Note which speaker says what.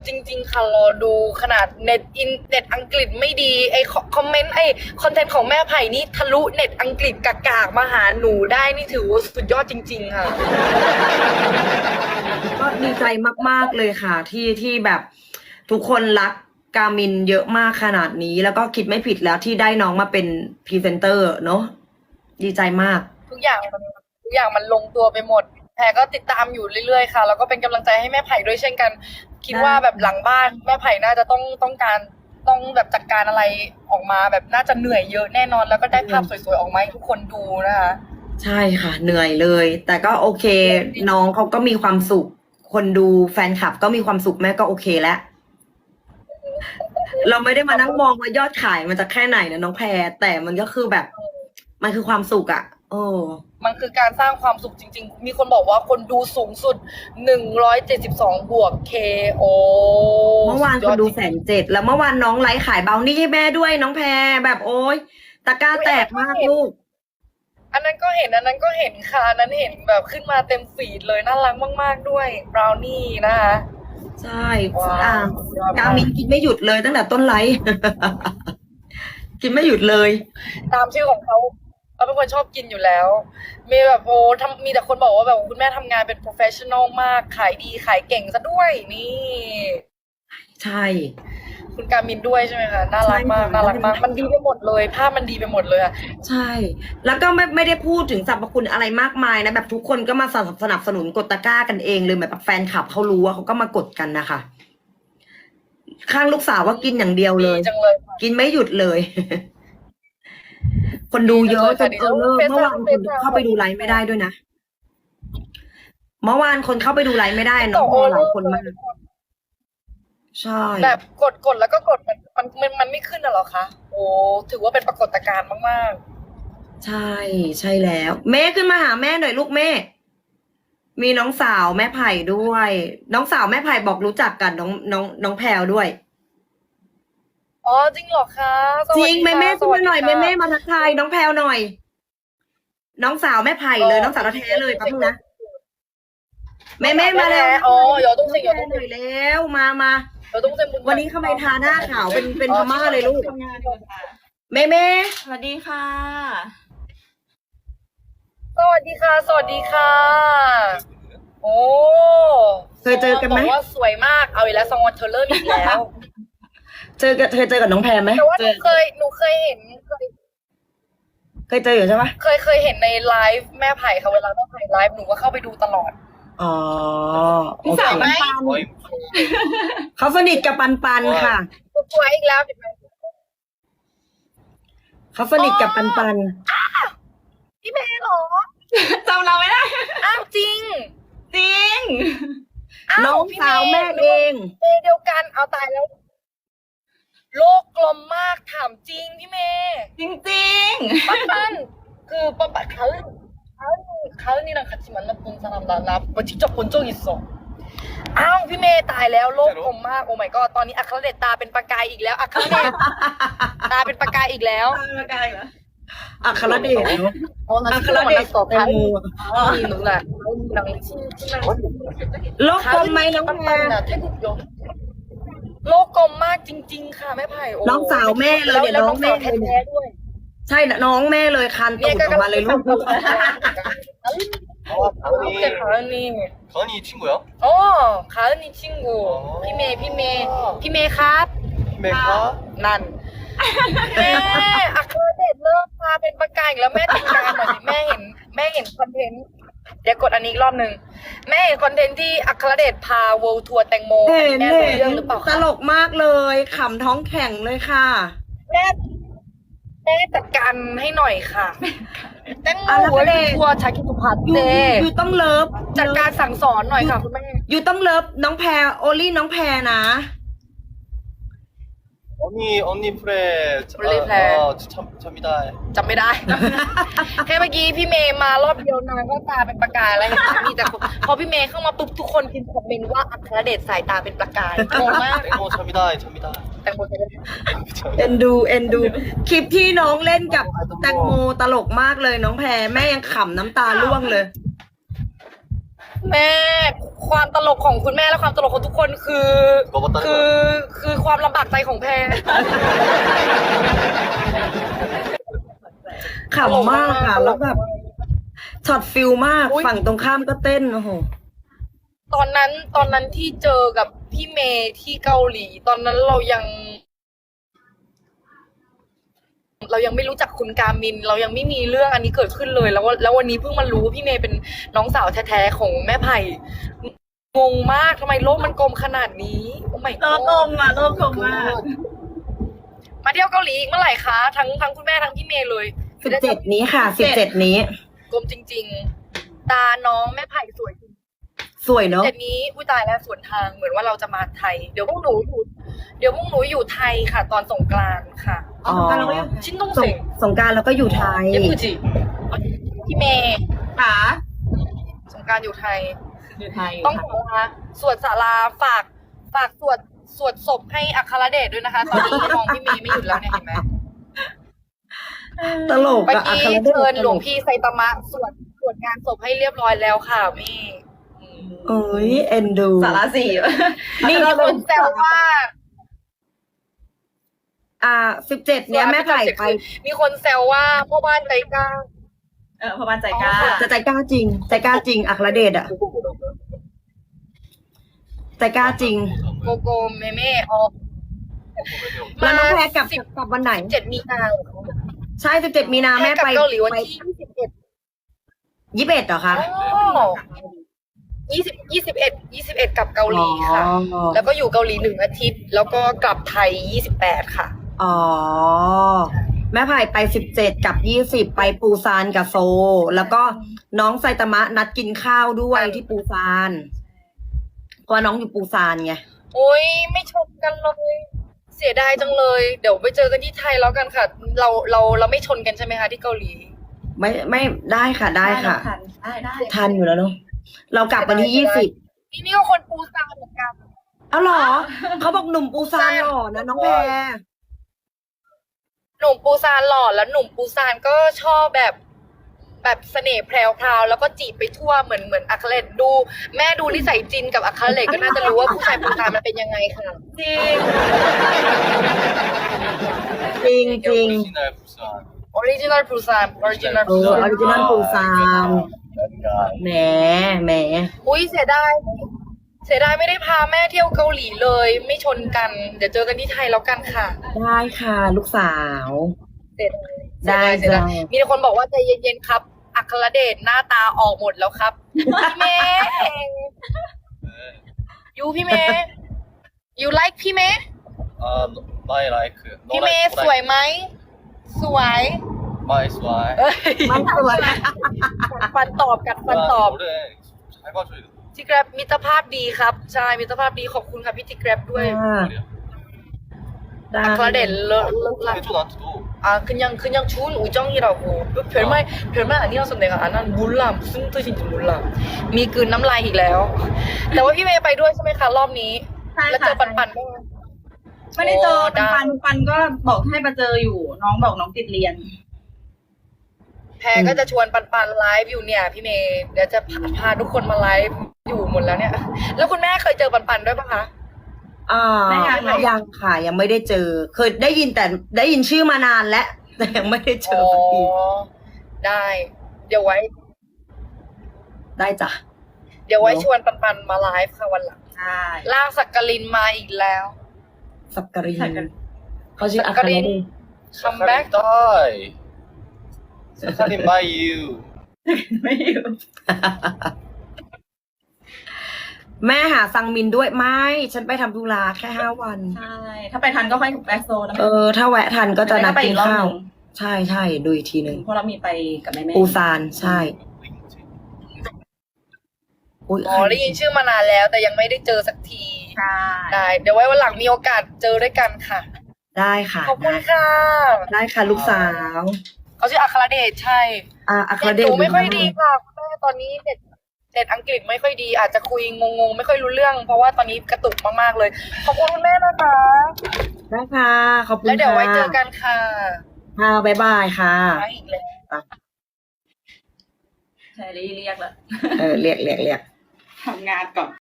Speaker 1: จริงๆค่ะรอดูขนาดเน็ตอังกฤษไม่ดีไอคอมเมนต์ไอคอนเทนต์ของแม่ไผ่นี่ทะลุเน็ตอังกฤษกากๆมาหาหนูได้นี่ถือว่าสุดยอดจริงๆค่ะ
Speaker 2: ก็ดีใจมากๆเลยค่ะ ที่แบบทุกคนรักกามินเยอะมากขนาดนี้ แล้วก็คิดไม่ผิดแล้วที่ได้น้องมาเป็นพรีเซนเตอร์เนาะดีใจมาก
Speaker 1: ทุกอย่างมันลงตัวไปหมดแพรก็ติดตามอยู่เรื่อยๆค่ะแล้วก็เป็นกำลังใจให้แม่ไผ่ด้วยเช่นกัน คิดว่าแบบหลังบ้านแม่ไผ่น่าจะต้องแบบจัดการอะไรออกมาแบบน่าจะเหนื่อยเยอะแน่นอน แล้วก็ได้ภาพสวยๆออกมาให้ทุกคนดูนะคะ
Speaker 2: ใช่ค่ะเหนื่อยเลย แต่ก็โอเค น้องเขาก็มีความสุข คนดูแฟนคลับก็มีความสุขแม่ก็โอเคแล้ว เราไม่ได้มานั่งมองว่ายอดขายมันจะแค่ไหนนะน้องแพรแต่มันก็คือแบบ มันคือความสุขอะโอ้
Speaker 1: มันคือการสร้างความสุขจริงๆ มีคนบอกว่าคนดูสูงสุด172บวก KO
Speaker 2: เมื่อวานคนดู107,000แล้วเมื่อวานน้องไลฟ์ขายเบลนี่ให้แม่ด้วยน้องแพรแบบโอ๊ยตะกร้าแตกมากลูก
Speaker 1: อันนั้นก็เห็นค่ะอันนั้นเห็นแบบขึ้นมาเต็มฟีดเลยน่ารักมากๆด้วยบราวนี่นะคะ
Speaker 2: ใช่
Speaker 1: ว้าว
Speaker 2: อ่ะกามินกินไม่หยุดเลยตั้งแต่ต้นไลฟ์ กินไม่หยุดเลย
Speaker 1: ตามชื่อของเขาเป็นคนชอบกินอยู่แล้ว มีแบบมีแต่คนบอกว่าแบบคุณแม่ทำงานเป็น professional มาก ขายดีขายเก่งซะด้วยนี่
Speaker 2: ใช่
Speaker 1: คุณการมินด้วยใช่ไหมคะน่ารักมาก
Speaker 2: ใช่ค่ะ
Speaker 1: น่ารักมาก มันดีไปหมดเลย ภาพมันดีไปหมดเลยอะ
Speaker 2: ใช่ แล้วก็ไม่ได้พูดถึงสรรพคุณอะไรมากมายนะแบบทุกคนก็มาสนับสนุนกดตะกร้ากันเองเลยแบบแฟนคลับเขารู้ว่าเขาก็มากดกันนะคะข้างลูกสาวว่ากินอย่างเดียวเลย
Speaker 1: ดีจังเลยค่ะ
Speaker 2: กินไม่หยุดเลย คนดูเยอะจนเลิกเมื่อวานคนเข้าไปดูไลฟ์ไม่ได้ด้วยนะ เมื่อวานคนเข้าไปดูไลฟ์ไม่ได้น้องพอหลายคนมาก ใช่
Speaker 1: แบบกดแล้วก็กดมันไม่ขึ้นน่ะเหรอคะโอ้ถือว่าเป็นปรากฏการณ์มาก
Speaker 2: ใช่ใช่แล้ว แม่ขึ้นมาหาแม่หน่อยลูกแม่ มีน้องสาวแม่ไผ่ด้วย น้องสาวแม่ไผ่บอกรู้จักกันน้องแพรวด้วย
Speaker 1: ๆอ๋อจริงเหรอคะส
Speaker 2: จ
Speaker 1: วัส
Speaker 2: ริง
Speaker 1: ดี
Speaker 2: แม่
Speaker 1: ค่ะ
Speaker 2: แม่ขึ้นมาหน่อย
Speaker 1: สวั
Speaker 2: แม่
Speaker 1: สดี
Speaker 2: แม่
Speaker 1: ค่ะ
Speaker 2: มาทักทายน้องแพรวหน่อย น้องสาวแม่ไผ่เลยน้องสาวแท้ๆเลยแป๊บนึงนะแม่มาแล้ว
Speaker 1: อ๋อ有东西有
Speaker 2: แม่
Speaker 1: 东
Speaker 2: หน่อย
Speaker 1: 西
Speaker 2: แล้วมา
Speaker 1: 有东西
Speaker 2: วันนี้ทำไมทาหน้าขาวเป็นพม่าเลยลูก
Speaker 3: ทำงานอยู่ค่ะ
Speaker 2: แม่
Speaker 3: สวัสดีค่ะ
Speaker 1: สวัสดีค่ะ สวัสดีค่ะ โอ้
Speaker 2: เคยเจอกันไหม
Speaker 1: บอกว่าสวยมากเอาอีกแล้วซองวันเธอเริ่มอีกแล้ว
Speaker 2: เคยเจอกับน้องแพรไหม
Speaker 1: แต่ว่าหนูเคยเห็น
Speaker 2: เคยเจออยู่ใช่ปะ
Speaker 1: เคยเห็นในไลฟ์แม่ไผ่ค่ะเวลาแม่ไผ่ไลฟ์หนูก็เข้าไปดูตลอด
Speaker 2: อ๋อ
Speaker 3: พี่สาว
Speaker 2: โอ
Speaker 3: ไหม
Speaker 2: เคเขาสนิทกับปันค่ะ
Speaker 1: สวยอีกแล้วเห็นไหม
Speaker 2: เขาสนิทกับปัน
Speaker 1: พี่เมย์เหรอ
Speaker 3: จำเราไม่ได้
Speaker 1: อ้าวจริง
Speaker 3: จริง
Speaker 1: อ้าว
Speaker 2: น้อง
Speaker 1: พี่
Speaker 2: สาว
Speaker 1: ย์
Speaker 2: แม่เอง
Speaker 1: เมย์เดียวกันเอาตายแล้ว โลกกลมมากถามจริงพี่เมย์
Speaker 3: จริง
Speaker 1: ปั้น그 빠빠 가은이랑 같이 만났던 사람 나 직접 본 적 있어. อ้าวพี่เมย์ตายแล้วโลกกลมมากโอ้ my god ตอนนี้อัครเดชตาเป็นประกายอีกแล้วอัครเดช ตาเป็นประกายอีกแล้ว
Speaker 3: ๆมาไกลเหรอ
Speaker 2: อัครเดชเนอะ
Speaker 1: 나
Speaker 2: อัคร
Speaker 1: 친구랑
Speaker 2: เดช
Speaker 1: 만났어
Speaker 2: แตงโม
Speaker 1: 가은이 누나 가은이랑 친구랑
Speaker 2: โลกกลมไหมน้องแพร
Speaker 1: 나 태국 여โลกกลมมากจริง ๆ ค่ะแม่ไผ่โอ้
Speaker 2: น้องสาวแม่เลยเนี่ย
Speaker 1: แล้ว
Speaker 2: น้
Speaker 1: น้
Speaker 2: อ
Speaker 1: อง ง
Speaker 2: แม่
Speaker 1: สาว
Speaker 2: เลย
Speaker 1: แท้ๆด้วย
Speaker 2: ใช่นะน้องแม่เลยคันตูดออกมาเลยลูก
Speaker 1: 가은이 가은이
Speaker 4: 가은이 친구야?
Speaker 1: 가은이 친구. 피메ครับ
Speaker 4: 히메카?
Speaker 1: นั่น แม่อัครเดชเลิกพาเป็นประกายอีกแล้วแม่จัดการหน่อยสิแม่เห็นคอนเทนต์เดี๋ยวกดอันนี้อีกรอบหนึ่งแม่เห็นคอนเทนต์ที่อัครเดชพาเวิลด์ทัวร์แตงโม
Speaker 2: เห็น
Speaker 1: แม่
Speaker 2: เห็
Speaker 1: รู้
Speaker 2: น
Speaker 1: เรื่องหรือเปล่า
Speaker 2: ต
Speaker 1: คะ
Speaker 2: ลกมากเลยขำท้องแข็งเลยค่ะ
Speaker 1: แม่จัดการให้หน่อยค่ะแตงโม
Speaker 2: อ่ะแล้ว
Speaker 1: เวิล
Speaker 2: แม่
Speaker 1: ด์ทัวร์ชาคิตุพัฒน์
Speaker 2: อยู่
Speaker 1: เด
Speaker 2: อยู่ต้องเลิฟ
Speaker 1: จัดการสั่งสอนหน่อยค่ะคุณแม่
Speaker 2: อยู่ต้องเลิฟน้องแพรโอลี่น้องแพรนะ
Speaker 4: 언니 프레.
Speaker 1: 언니 프레.
Speaker 4: 참이다.
Speaker 1: จำไม่ได้ แค่เมื่อกี้พี่เมย์มารอบเดียวนางก็ตาเป็นประกายแล้วเห็นไหมมีแต่คนพอพี่เมย์เข้ามาปุ๊บทุกคนพิมพ์คอมเมนต์ว่าอัครเดชสายตาเป็นประกายงงมาก
Speaker 4: 땡모 참이다.
Speaker 1: แตงโมจะได้
Speaker 2: เอ็นดูคลิปที่น้องเล่นกับแตงโมตลกมากเลยน้องแพรแม่ยังขำน้ำตาร่วงเลย
Speaker 1: แม่ความตลกของคุณแม่และความตลกของทุกคนคือ
Speaker 4: ก็บ่ตั้ง
Speaker 1: คือความลำบากใจของแพร
Speaker 2: ขำมากค่ะ แล้วแบบช็อตฟิลมาก
Speaker 1: อุ๊ย
Speaker 2: ฝั่งตรงข้ามก็เต้นโอ้โห
Speaker 1: ตอนนั้นที่เจอกับพี่เมย์ที่เกาหลี ตอนนั้นเรายังไม่รู้จักคุณกามิน เรายังไม่มีเรื่องอันนี้เกิดขึ้นเลย แล้ววันนี้เพิ่งมารู้ว่าพี่เมย์เป็นน้องสาวแท้ๆของแม่ไผ่งงมากทำไมโลกมันกลมขนาดนี้โอ้ไม่
Speaker 3: โลกกลมอ่ะโลกกลมมาก
Speaker 1: มาเที่ยวเกาหลีอีกเมื่อไหร่คะทั้งคุณแม่ทั้งพี่เมย์เลย
Speaker 2: 17 นี้ค่ะ 17 นี้
Speaker 1: กลมจริง ๆ ตาน้องแม่ไผ่สวยจริง
Speaker 2: สวยเนาะ
Speaker 1: เจ็ดนี้อุ้ยตายแล้วสวนทางเหมือนว่าเราจะมาไทย เดี๋ยวพวกหนูอยู่ไทยค่ะ ตอนสงกรานต์ค่ะ
Speaker 2: อ๋อ
Speaker 1: ชิ้นต้อง
Speaker 2: สง
Speaker 1: เสง
Speaker 2: สงกรารแล้วก็อยู่ไทย
Speaker 1: เยปุจิพี่เมย์
Speaker 3: ขา
Speaker 1: สงกรานต์อยู่ไทย
Speaker 3: อยู่ไทย
Speaker 1: ต้องบอกว่าสวดศาลาฝากสวดศพให้อัครเดชด้วยนะคะ ตอนนี้มองพี่เมย์ไม่หยุดแล้วเนี่ยเห็นไหม
Speaker 2: ตลก
Speaker 1: เมื่อ
Speaker 2: อะ
Speaker 1: กี้
Speaker 2: อัครเดช
Speaker 1: เชิญ
Speaker 2: ต
Speaker 1: หล
Speaker 2: ล
Speaker 1: วง
Speaker 2: ก
Speaker 1: พี่ไซตามะสวดงานศพให้เรียบร้อยแล้วค่ะแม่อืม
Speaker 2: เอ้ยเอ็นดู
Speaker 3: สาระสี่
Speaker 1: นี่มีคนแซวว่า
Speaker 2: 17 เนี้ยแม่ไผ่ไป
Speaker 1: มีคนแซวว่าพ่อบ้านใจกล้า
Speaker 3: พอบ้านใจกล้า
Speaker 2: จะใจกล้าจริง ใจกล้าจริง อัครเดชอะใจกล้าจริง
Speaker 1: โกโกเมเม่ออก
Speaker 2: แล้วน้องแพรกลับวันไหน
Speaker 1: 7 มีนา
Speaker 2: ใช่ 17 มีนาแม่
Speaker 1: กลับ
Speaker 2: ไป
Speaker 1: เกาหลีวัน
Speaker 2: ไป
Speaker 1: ที่
Speaker 2: 21เหรอคะ
Speaker 1: 21กลับเกาหลีค่ะ
Speaker 2: อ๋อ
Speaker 1: แล้วก็อยู่เกาหลี1 อาทิตย์ แล้วก็กลับไทย28ค่ะ
Speaker 2: อ๋อ แม่ไผ่ไป17กับ20ไปปูซานกับโซลแล้วก็น้องไซตามะนัดกินข้าวด้วยที่ปูซานเพราะว่าน้องอยู่ปูซานไง
Speaker 1: โอ้ยไม่ชมกันเลย เสียดายจังเลย เดี๋ยวไปเจอกันที่ไทยแล้วกันค่ะ เราไม่ชนกันใช่ไหมคะที่เกาหลี
Speaker 2: ไม่ได้ค่ะได้ค่ะ
Speaker 3: ได้
Speaker 2: ทันอยู่แล้วเนาะเรากลับวันที่20
Speaker 1: นี่ก็คนปูซานเหมือนกัน
Speaker 2: เอาเหรอ เขาบอกหนุ่มปูซานหล่อนะน้องแพร
Speaker 1: หนุ่มปูซานหล่อแล้วหนุ่มปูซานก็ชอบแบบเสน่ห์แพรวๆแล้วก็จีบไปทั่วเหมือนอัครเดชดู แม่ดูนิสัยจินกับอัครเดชก็น่าจะรู้ว่าผู้ชายปูซานมันเป็นยังไงค่ะ
Speaker 3: จริง
Speaker 2: จริงจริง
Speaker 4: 오리지널 부산
Speaker 1: ออริจินัลปูซาน
Speaker 2: ออริจินัลปูซานแหม
Speaker 1: อุ้ยเสียดายไม่ได้พาแม่เที่ยวเกาหลีเลย ไม่ชนกัน เดี๋ยวเจอกันที่ไทยแล้วกันค่ะ
Speaker 2: ได้ค่ะ ลูกสาว
Speaker 1: เสียดาย
Speaker 2: ได้
Speaker 1: เสียดาย
Speaker 2: จ้ะ
Speaker 1: มีคนบอกว่าใจเย็นๆครับ อัครเดชหน้าตาออกหมดแล้วครับพี่เมย์พี่เมย์ you like พี่เมย์
Speaker 4: my like
Speaker 1: พี่เมย์สวยไหมสวย
Speaker 4: my swipe
Speaker 1: เอ้ย
Speaker 2: มันสวย
Speaker 1: กัดฟันตอบ
Speaker 4: 노래 잘 봐줘야 돼
Speaker 1: ที่แกร็บมิตรภาพดีครับใช่มิตรภาพดีขอบคุณค่ะพี่ที่แกร็บด้วย
Speaker 4: 말이야
Speaker 2: ได้
Speaker 1: อัครเดชเลิศลัก
Speaker 4: 해줘 나한테도
Speaker 1: 그냥 좋은 우정이라고 별말 아니어서 내가 안 한 몰라 무슨 뜻인지 몰라 มีกลืนน้ำลายอีกแล้ว แต่ว่าพี่เมย์ไปด้วยใช่ไหมคะรอบนี้
Speaker 3: ใช่
Speaker 1: แล้วเจ
Speaker 3: ค่ะ
Speaker 1: อปันบ้างไหม
Speaker 3: ไม่ได้เจอ
Speaker 1: โอ้ได้
Speaker 3: ปันก็บอกให้มาเจออยู่ น้องบอกน้องติดเรียน
Speaker 1: แพรก็จะชวนปันไลฟ์อยู่เนี่ยพี่เมย์เดี๋ยวจะพาทุกคนมาไลฟ์อยู่หมดแล้วเนี่ย แล้วคุณแม่เคยเจอปันด้วยปะคะ
Speaker 3: ไม่ยังเหรอ
Speaker 2: ยังค่ะ ยังไม่ได้เจอ เคยได้ยินแต่ได้ยินชื่อมานานแล้ว แต่ยังไม่ได้เจอสักที
Speaker 1: ได้ เดี๋ยวไว้
Speaker 2: ได้จ้ะ
Speaker 1: ชวนปันมาไลฟ์ค่ะวันหลัง
Speaker 3: ใช่
Speaker 1: ลากสักกลินมาอีกแล้ว
Speaker 2: สักกริน
Speaker 3: สักกริน
Speaker 2: เขาชื่ออัครเดช
Speaker 1: คัมแบ็ก
Speaker 4: die 사카린 by you
Speaker 3: ไม่อยู่
Speaker 2: แม่หาซังมินด้วยไม่ ฉันไปทำธุระแค่5 วัน
Speaker 3: ใช่ ถ้าไปทันก็ค่อยแบ็คโซนนะ
Speaker 2: ถ้าแวะทันก็จะนัด
Speaker 3: ไป
Speaker 2: กิ
Speaker 3: อี
Speaker 2: น
Speaker 3: กรอบ
Speaker 2: ข้า
Speaker 3: ห
Speaker 2: ว
Speaker 3: นึ่ง
Speaker 2: ใช่ใช่ดูอีกทีหนึ่ง
Speaker 3: เพราะเรามีไปกับแม่
Speaker 2: ปูซานใช่อุ๊ย
Speaker 1: อ๋อได้ยินชื่อมานานแล้วแต่ยังไม่ได้เจอสักที
Speaker 3: ใช่
Speaker 1: ได้เดี๋ยวไว้วันหลังมีโอกาสเจอด้วยกันค่ะ
Speaker 2: ได้ค่ะ
Speaker 1: ขอบคุณค่ะ
Speaker 2: ได้ค่ะลูกสาว
Speaker 1: เขาชื่ออัครเดชใช่
Speaker 2: อัคร
Speaker 1: เน็ต
Speaker 2: เด
Speaker 1: ห
Speaker 2: ช
Speaker 1: นูไม่ค่อยดีค่ะคุณแม่ตอนนี้เน็ตอังกฤษไม่ค่อยดี อาจจะคุยงงๆไม่ค่อยรู้เรื่อง เพราะว่าตอนนี้กระตุกมากๆเลย ขอบคุณคุณแม่นะคะ
Speaker 2: ได้ค่ะขอบคุณ
Speaker 1: แล้วเดี๋ยวไว้
Speaker 2: ค่ะ
Speaker 1: เจอกันค่ะ
Speaker 2: ค่ะบ๊ายบายค่ะ
Speaker 1: ไปอีกแล้ว
Speaker 3: ใช่เรียกแล้ว
Speaker 2: เรียก
Speaker 3: ทำงานก่อน